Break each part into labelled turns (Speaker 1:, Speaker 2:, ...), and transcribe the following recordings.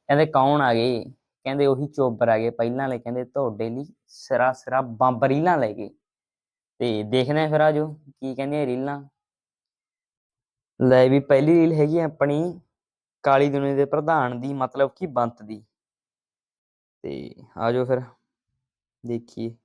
Speaker 1: ਕਹਿੰਦੇ ਕੌਣ ਆ ਗਏ? ਕਹਿੰਦੇ ਉਹੀ ਚੋਬਰ ਆ ਗਏ ਪਹਿਲਾਂ ਵਾਲੇ, ਕਹਿੰਦੇ ਤੁਹਾਡੇ ਲਈ ਸਿਰਾ ਸਿਰਾ ਬੰਬ ਰੀਲਾਂ ਲੈ ਗਏ। ਤੇ ਦੇਖਦੇ ਆ ਫਿਰ ਆਜੋ ਕੀ ਕਹਿੰਦੀਆਂ ਰੀਲਾਂ। ਲੈ ਵੀ ਪਹਿਲੀ ਰੀਲ ਹੈਗੀ ਆਪਣੀ ਕਾਲੀ ਦੁਨੀਆ ਦੇ ਪ੍ਰਧਾਨ ਦੀ, ਮਤਲਬ ਕਿ ਬੰਤ ਦੀ। ਤੇ ਆਜੋ ਫਿਰ ਦੇਖੀਏ।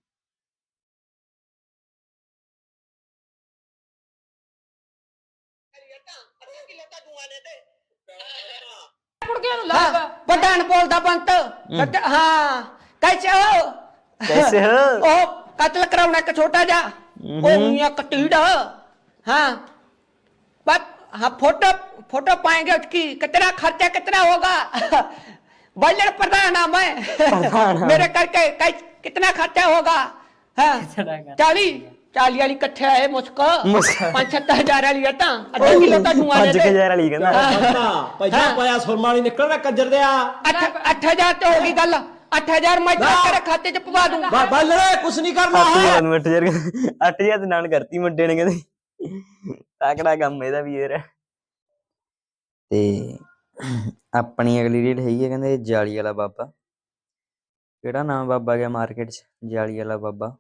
Speaker 2: प्रधान बोलता बंत हाँ कैसे हो?
Speaker 1: कैसे हो?
Speaker 2: ओ कत्ल कराना का छोटा जा ओ मियां कटीड़ा हाँ बस हाँ फोटो फोटो पाएंगे उसकी कितना खर्चा कितना होगा? बल्लर प्रधान है मैं मेरे करके कितना खर्चा होगा? हाँ 40 वाली कट्ठे है मुझको 5-7 हजार वाली है ता आधा किलो ता धुआं दे
Speaker 1: 5000 वाली कहंदा
Speaker 3: पैसा पाया सुरमाली निकल रहा कंजर दिया
Speaker 2: 8000 तो होगी गल 8000 मैं तेरे खाते च पवा दूंगा
Speaker 3: बल रे कुछ नहीं करना है
Speaker 1: 8000 ਤੇ ਨਾਲ ਕਰਤੀ ਮੁੰਡੇ ਨੇ, ਕਹਿੰਦੇ ਤਾਕੜਾ ਕੰਮ ਇਹਦਾ ਵੀ ਯਾਰ। ਤੇ ਆਪਣੀ ਅਗਲੀ ਰੀਲ ਹੈਗੀ ਹੈ, ਕਹਿੰਦੇ ਜਾਲੀ ਵਾਲਾ ਬਾਬਾ। ਕਿਹੜਾ ਨਾਮ ਬਾਬਾ ਗਿਆ ਮਾਰਕੀਟ 'ਚ? ਜਾਲੀ ਵਾਲਾ ਬਾਬਾ।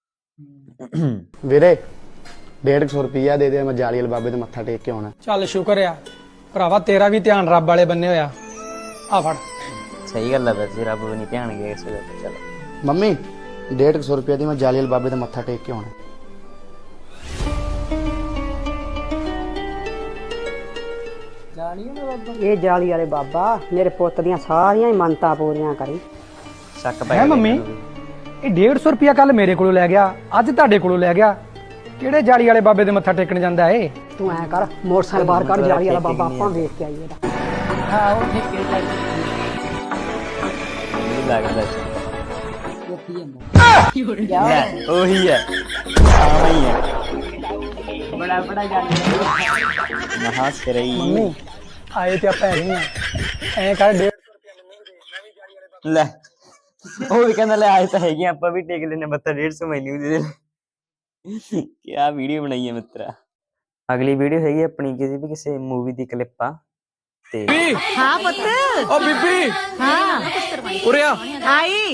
Speaker 4: ਵੀਰੇ 150 ਰੁਪਈਆ ਦੇ ਦੇ, ਮੈਂ ਜਾਲੀ ਵਾਲੇ ਬਾਬੇ ਦੇ ਮੱਥਾ ਟੇਕ ਕੇ ਆਉਣਾ।
Speaker 5: ਚੱਲ ਸ਼ੁਕਰ ਆ ਭਰਾਵਾ, ਤੇਰਾ ਵੀ ਧਿਆਨ ਰੱਬ ਵਾਲੇ ਬੰਨੇ ਹੋਇਆ। ਆ ਫੜ।
Speaker 1: ਸਹੀ ਗੱਲ ਹੈ, ਵੈਸੇ ਰੱਬ ਵੀ ਨਹੀਂ ਧਿਆਨ ਗਿਆ ਕਿਸੇ ਦਾ। ਚਲੋ
Speaker 4: ਮੰਮੀ 150 ਰੁਪਈਆ ਦੀ ਮੈਂ ਜਾਲੀ ਵਾਲੇ ਬਾਬੇ ਦੇ ਮੱਥਾ ਟੇਕ ਕੇ ਆਉਣਾ।
Speaker 6: ਇਹ ਜਾਲੀ ਵਾਲੇ ਬਾਬਾ ਮੇਰੇ ਪੁੱਤ ਦੀਆਂ ਸਾਰੀਆਂ ਹੀ ਮੰਨਤਾਂ ਪੂਰੀਆਂ ਕਰੀ।
Speaker 1: ਸ਼ੱਕ ਪੈ
Speaker 5: ਹੈ ਮੰਮੀ, ਇਹ 150 ਰੁਪਿਆ ਕੱਲ ਮੇਰੇ ਕੋਲੋਂ ਲੈ ਗਿਆ, ਅੱਜ ਤੁਹਾਡੇ ਕੋਲੋਂ ਲੈ ਗਿਆ। ਕਿਹੜੇ ਜਾਲੀ ਵਾਲੇ ਬਾਬੇ ਦੇ ਮੱਥਾ ਟੇਕਣ ਜਾਂਦਾ ਏ?
Speaker 6: ਤੂੰ ਐ ਕਰ ਮੋਟਰਸਾਈਕਲ ਬਾਹਰ ਕੱਢ, ਜਾਲੀ ਵਾਲਾ ਬਾਬਾ ਆਪਾਂ ਵੇਖ ਕੇ ਆਈਏ ਇਹਦਾ।
Speaker 1: ਹਾਂ ਉਹ ਠੀਕ ਹੈ ਮੈਨੂੰ ਲੱਗਦਾ ਉਹੀ ਹੈ ਆਹੀ ਹੈ ਬੜਾ ਬੜਾ ਜਾਲੀ ਮਹਾ ਸਿਰਈ।
Speaker 5: ਮੰਮੀ ਆਏ ਤੇ ਆਪਾਂ ਹੈਗੇ ਆ, ਐ ਕਰ 150 ਰੁਪਿਆ ਮੈਨੂੰ
Speaker 1: ਲੈ ਉਹ ਵੀ ਕਹਿੰਦਾ ਲੈ ਆਏ ਤਾਂ ਹੈਗੇ ਆਪਾਂ ਵੀ ਟੇਕ ਲੈਨੇ ਮੱਥਾ 150 ਮੈਨੂੰ ਵੀ ਦੇ ਦੇ। ਕਿਆ ਵੀਡੀਓ ਬਣਾਈ ਹੈ ਮਿੱਤਰਾ। ਅਗਲੀ ਵੀਡੀਓ ਹੈਗੀ ਆਪਣੀ ਕਿਸੇ ਮੂਵੀ ਦੀ ਕਲਿੱਪ ਆ। ਤੇ
Speaker 7: हाँ पुत्र
Speaker 3: ओ बीबी
Speaker 7: हाँ
Speaker 3: उरे आ
Speaker 7: आई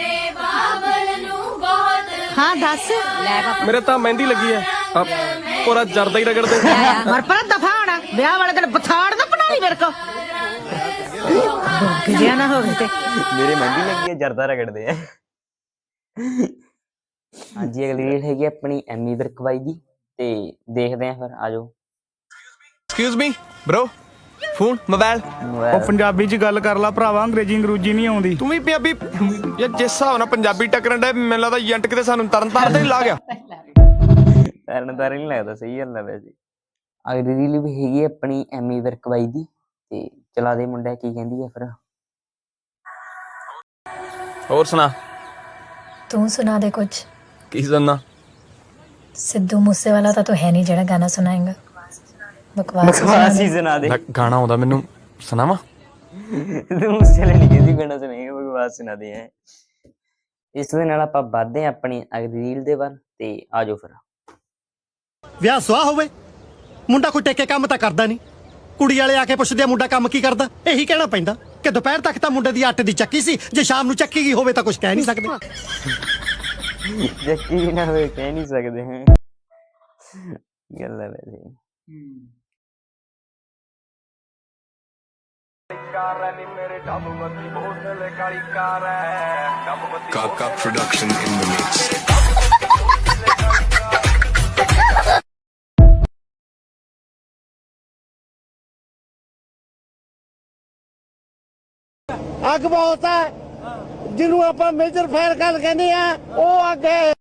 Speaker 7: हाँ दस
Speaker 3: मेरे ता मेहंदी लगी है अब पूरा जर्दा ही रगड़ दे
Speaker 7: मर पर दफा होना ब्याह वाले दिन बथाड़ ना बना ली मेरे को किया ना हो गए थे
Speaker 1: ਮੇਰੇ ਮਹਿੰਦੀ ਲੱਗੀ ਹੈ, ਜਰਦਾ ਰਗੜਦੇ ਆ। ਹਾਂਜੀ ਅਗਲੀ ਰੀਲ ਹੈਗੀ ਆਪਣੀ ਐਮੀ ਵਿਰਕ ਬਾਈ ਦੀ। ਤੇ ਦੇਖਦੇ ਆ ਫਿਰ ਆਜੋ।
Speaker 8: Excuse me bro phone mobile
Speaker 9: ਉਹ ਪੰਜਾਬੀ ਚ ਗੱਲ ਕਰ ਲਾ ਭਰਾਵਾ, ਅੰਗਰੇਜ਼ੀ ਅੰਗਰੂਜੀ ਨਹੀਂ ਆਉਂਦੀ।
Speaker 8: ਤੂੰ ਵੀ ਪੰਜਾਬੀ ਯਾਰ ਜਿਸ ਹਿਸਾਬ ਨਾਲ ਪੰਜਾਬੀ ਟੱਕਰਨ ਦਾ ਮੈਨੂੰ ਲੱਗਦਾ ਏਜੰਟ ਕਿਤੇ ਸਾਨੂੰ ਤਰਨ ਤਾਰਨ ਤੇ ਨਹੀਂ ਲਾ ਗਿਆ।
Speaker 1: ਤਰਨਤਾਰਨ ਨਹੀਂ ਲੱਗਦਾ, ਸਹੀ ਗੱਲ ਹੈ ਵੈਸੇ। ਅਗਲੀ ਰੀਲ ਵੀ ਹੈਗੀ ਆਪਣੀ ਐਮੀ ਵਿਰਕ ਬਾਈ ਦੀ। ਤੇ ਚਲਾ ਦੇ ਮੁੰਡਾ ਕੀ ਕਹਿੰਦੀ ਆ ਫਿਰ।
Speaker 8: ਹੋਰ ਸੁਣਾ।
Speaker 10: तू सुना दे कुछ।
Speaker 8: ਕੀ ਸੁਣਨਾ?
Speaker 10: सिद्धू मूसेवाला तो है नहीं जेड़ा गाना सुनाएगा। बकवास
Speaker 1: ਹੀ ਸੁਣਾ ਦੇ।
Speaker 8: ਗਾਣਾ ਆਉਂਦਾ ਮੈਨੂੰ, ਸੁਣਾਵਾ?
Speaker 1: ਤੂੰ ਉਸਲੇ ਨਹੀਂ ਕਹਿੰਦੀ ਗਾਣਾ ਸੁਣਾਏਗਾ, ਬਕਵਾਸ ਸੁਣਾ ਦੇ। ਇਸ ਦੇ ਨਾਲ ਆਪਾਂ ਵੱਧਦੇ ਹਾਂ ਆਪਣੀ ਅਗਲੀ ਰੀਲ ਦੇ ਵੱਲ। ਤੇ ਆਜੋ ਫਿਰ।
Speaker 11: ਵਿਆਹ ਸੁਆਹ ਹੋਵੇ, ਮੁੰਡਾ ਕੋਈ ਟੇਕੇ ਕੰਮ ਤਾਂ ਕਰਦਾ ਨਹੀਂ। ਕੁੜੀ ਵਾਲੇ ਆ ਕੇ ਪੁੱਛਦੇ ਆ ਮੁੰਡਾ ਕੰਮ ਕੀ ਕਰਦਾ, ਇਹੀ ਕਹਿਣਾ ਪੈਂਦਾ ਕਿ ਦੁਪਹਿਰ ਤੱਕ ਤਾਂ ਮੁੰਡੇ ਦੀ ਆਟੇ ਦੀ ਚੱਕੀ ਸੀ, ਜੇ ਸ਼ਾਮ ਨੂੰ ਚੱਕੀ ਗਈ ਹੋਵੇ ਤਾਂ ਕੁਝ ਕਹਿ ਨਹੀਂ ਸਕਦੇ।
Speaker 1: ਯਕੀਨ ਨਾ ਹੋਵੇ ਕਹਿ ਨਹੀਂ ਸਕਦੇ ਹੈ ਗੱਲ ਹੈ ਵੈਸੇ।
Speaker 8: ਕਾਕਾ ਪ੍ਰੋਡਕਸ਼ਨ ਇਨ ਦ ਮਿਕਸ।
Speaker 11: ਅੱਗ ਬਹੁਤ ਹੈ, ਜਿਹਨੂੰ ਆਪਾਂ ਮੇਜਰ ਫਾਇਰ ਗੱਲ ਕਹਿੰਦੇ ਆ, ਉਹ ਅੱਗ ਹੈ।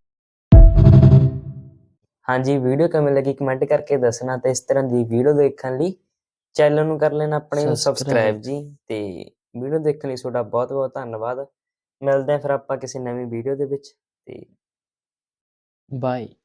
Speaker 1: ਹਾਂਜੀ ਵੀਡੀਓ ਕਿਵੇਂ ਲੱਗੀ ਕਮੈਂਟ ਕਰਕੇ ਦੱਸਣਾ। ਤੇ ਇਸ ਤਰ੍ਹਾਂ ਦੀ ਵੀਡੀਓ ਦੇਖਣ ਲਈ ਚੈਨਲ ਨੂੰ ਕਰ ਲੈਣਾ ਆਪਣੇ ਨੂੰ ਸਬਸਕ੍ਰਾਈਬ ਜੀ। ਤੇ ਵੀਡੀਓ ਦੇਖਣ ਲਈ ਤੁਹਾਡਾ ਬਹੁਤ ਬਹੁਤ ਧੰਨਵਾਦ। ਮਿਲਦੇ ਆ ਫਿਰ ਆਪਾਂ ਕਿਸੇ ਨਵੀਂ ਵੀਡੀਓ ਦੇ ਵਿੱਚ। ਤੇ ਬਾਏ।